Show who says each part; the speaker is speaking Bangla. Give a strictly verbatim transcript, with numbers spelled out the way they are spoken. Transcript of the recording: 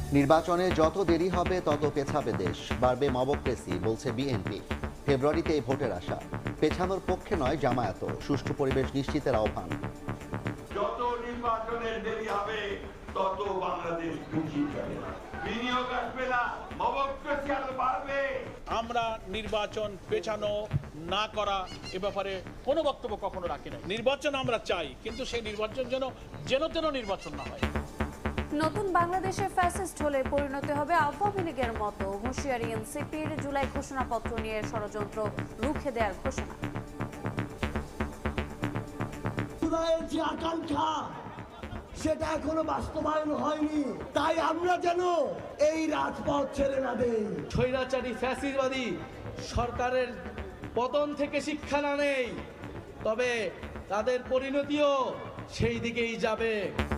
Speaker 1: নির্বাচনে যত দেরি হবে তত পেছাবে দেশ, বাড়বে মবক্রেসি বলছে বিএনপি। ফেব্রুয়ারিতে এই ভোটের আশা, পেছানোর পক্ষে নয় জামায়াত, সুষ্ঠু পরিবেশ নিশ্চিতের আহ্বান।
Speaker 2: যত নির্বাচনের দেরি হবে তত বাংলাদেশ পিছিয়ে যাবে, বিনিয়োগ আসবে না, মবক্রেসি আরো বাড়বে।
Speaker 3: আমরা নির্বাচন পেছানো না করা এ ব্যাপারে কোনো বক্তব্য কখনো রাখি না। নির্বাচন আমরা চাই, কিন্তু সেই নির্বাচন যেন যেন তেন নির্বাচন না হয়।
Speaker 4: নতুন বাংলাদেশে ফ্যাসিস্ট হলে পরিণতি হবে আওয়ামী লীগের মতো, হুঁশিয়ারি এনসিপির। জুলাই ঘোষণাপত্র নিয়ে ষড়যন্ত্র রুখে দেওয়ার ঘোষণা।
Speaker 5: জুলাইয়ের যে আকাঙ্ক্ষা সেটা এখনো বাস্তবায়ন হয়নি, তাই আমরা যেন এই রাজপথ ছেড়ে না দেই।
Speaker 6: স্বৈরাচারী ফ্যাসিবাদী সরকারের পতন থেকে শিক্ষা না নেই, তবে তাদের পরিণতিও সেই দিকেই যাবে।